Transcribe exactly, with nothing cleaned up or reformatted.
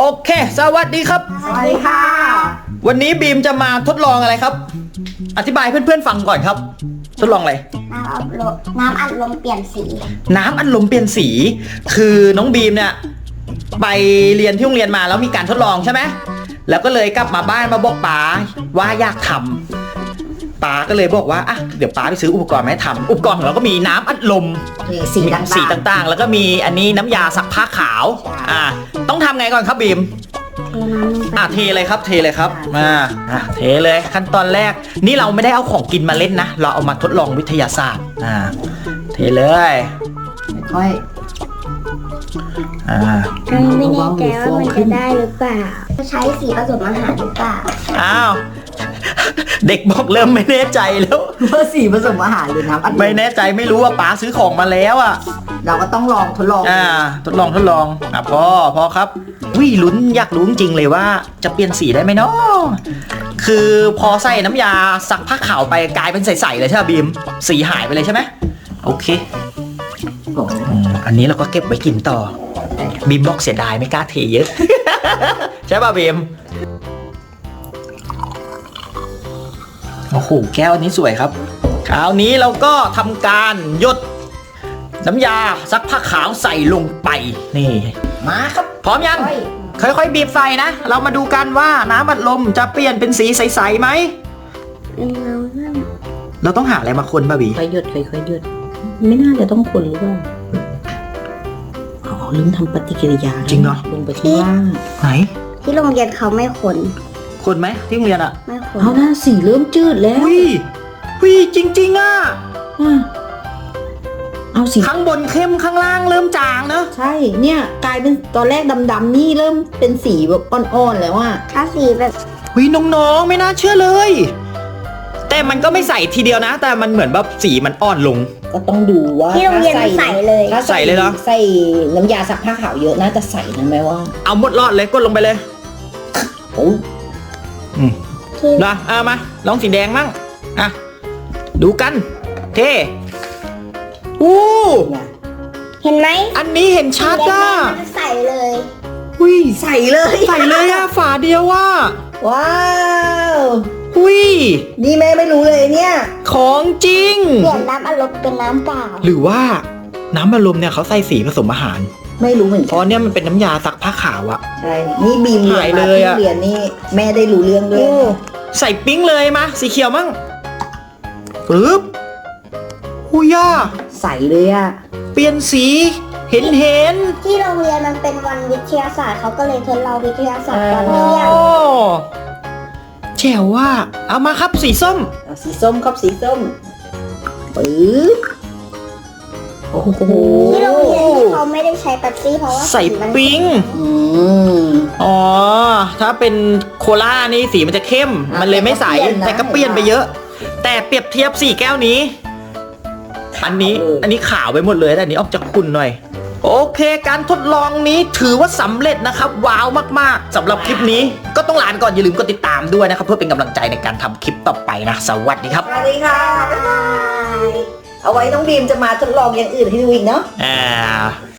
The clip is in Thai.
เคสวัสดีครับสวัสดีค่ะวันนี้บีมจะมาทดลองอะไรครับอธิบายเพื่อนๆฟังก่อนครับทดลองอะไรน้ำอัดลมน้ำอัดลมเปลี่ยนสีน้ำอัดลมเปลี่ยนสีคือน้องบีมเนี่ยไปเรียนที่โรงเรียนมาแล้วมีการทดลองใช่ไหมแล้วก็เลยกลับมาบ้านมาบอกป๋าว่าอยากทำป๋าก็เลยบอกว่าอ่ะเดี๋ยวป๋าไปซื้ออุปกรณ์มาให้ทำอุปกรณ์ของเราก็มีน้ำอัดลมสีต่างๆสีต่างๆแล้วก็มีอันนี้น้ำยาซักผ้าขาวอ่าต้องทำไงก่อนครับบีมอ่ะเทเลยครับเทเลยครับอ่าอ่ะเทเลยขั้นตอนแรกนี่เราไม่ได้เอาของกินมาเล่นนะเราเอามาทดลองวิทยาศาสตร์อ่าเทเลยค่อยอ่าไม่แน่ใจว่ามันจะได้หรือเปล่าใช้สีผสมอาหารหรือเปล่าอ้าวเด็กบอกเริ่มไม่แน่ใจแล้วว่าสีผสมอาหารหรือน้ำอัดลมไม่แน่ใจไม่รู้ว่าป๋าซื้อของมาแล้วอ่ะเราก็ต้องลองทดลองอ่าทดลองทดลองอ่ะพอพอครับวิลุ้นอยากรู้จริงเลยว่าจะเปลี่ยนสีได้ไหมเนาะคือพอใส่น้ำยาซักผ้าขาวไปกลายเป็นใสๆเลยใช่ไหมบีมสีหายไปเลยใช่ไหมโอเคอันนี้เราก็เก็บไว้กินต่อบีมบอกเสียดายไม่กล้าเทเยอะ ใช่ป่ะบีมโอ้โหแก้วอันนี้สวยครับคราวนี้เราก็ทำการหยดน้ำยาซักผ้าขาวใส่ลงไปนี่มาครับพร้อมยังค่อยๆบีบใส่นะเรามาดูกันว่าน้ำอัดลมจะเปลี่ยนเป็นสีใสๆไหมเราต้องหาอะไรมาคนป่ะบีค่อยหยดค่อยๆหยดไม่น่าจะต้องคนหรือเปล่าอ๋อลืมทำปฏิกิริยาจริงเหรอลงไปที่ล่างไหนที่โรงเรียนเขาไม่คนคนไหมที่โรงเรียนอะไม่คนเอาหน้าสีเริ่มจืดแล้ววิวิจริงๆอะเอาสีข้างบนเข้มข้างล่างเริ่มจางเนอะใช่เนี่ยกลายเป็นตอนแรกดำๆนี่เริ่มเป็นสีแบบอ่อนๆแล้วอะถ้าสีแบบวิน้องๆไม่น่าเชื่อเลยแต่มันก็ไม่ใส่ทีเดียวนะแต่มันเหมือนแบบสีมันอ่อนลงก็ต้องดูว่าที่โรงเรียนใส่เลยถ้าใส่เลยเหรอใส่น้ำยาซักผ้าขาวเยอะน่าจะใส่นะแม่ว่าเอาหมดรอดเลยกดลงไปเลยโอ้อืมนะเอามาลองสีแดงมั่งอ่ะดูกันเท่อู้เห็นไหมอันนี้เห็นชัดอ่ะใส่เลยอุ้ยใส่เลยใส่เลยอ่ะฝาเดียวว่ะว้าวอุ้ยนี่แม่ไม่รู้เลยเนี่ยของจริงเปลี่ยนน้ำอารมณ์เป็นน้ำเปล่าหรือว่าน้ำอารมณ์เนี่ยเขาใส่สีผสมอาหารไม่รู้เหมือนกันเพราะเนี่ยมันเป็นน้ำยาซักผ้าขาวอะใช่นี่บีมหายเลยอะเรียนนี่แม่ได้รู้เรื่องด้วยใส่ปิ๊งเลยมาสีเขียวมั่งปึ๊บหุยาใส่เลยอะเปลี่ยนสีเห็นเห็นที่โรงเรียนมันเป็นวันวิทยาศาสตร์เขาก็เลยทดลองวิทยาศาสตร์ตอนเที่ยงแจ๋วว่าเอามาครับสีส้มสีส้มครับสีส้มปึ๊บโอ้โหที่โรงเรียนเขาไม่ได้ใช้เป๊ปซี่เพราะว่าใส่ปิ๊งอ๋อถ้าเป็นโคลานี่สีมันจะเข้มมันเลยไม่ใสแต่ก็เปลี่ยนไปเยอะแต่เปรียบเทียบสี่แก้วนี้อันนี้อันนี้ขาวไปหมดเลยแต่อันนี้ออกจากขุ่นหน่อยโอเคการทดลองนี้ถือว่าสำเร็จนะครับว้าวมากๆสำหรับคลิปนี้ก็ต้องลาก่อนอย่าลืมกดติดตามด้วยนะครับเพื่อเป็นกำลังใจในการทำคลิปต่อไปนะสวัสดีครับสวัสดีค่ะบ๊ายบายเอาไว้น้องบีมจะมาทดลองอย่างอื่นให้ดูอีกเนาะอ่า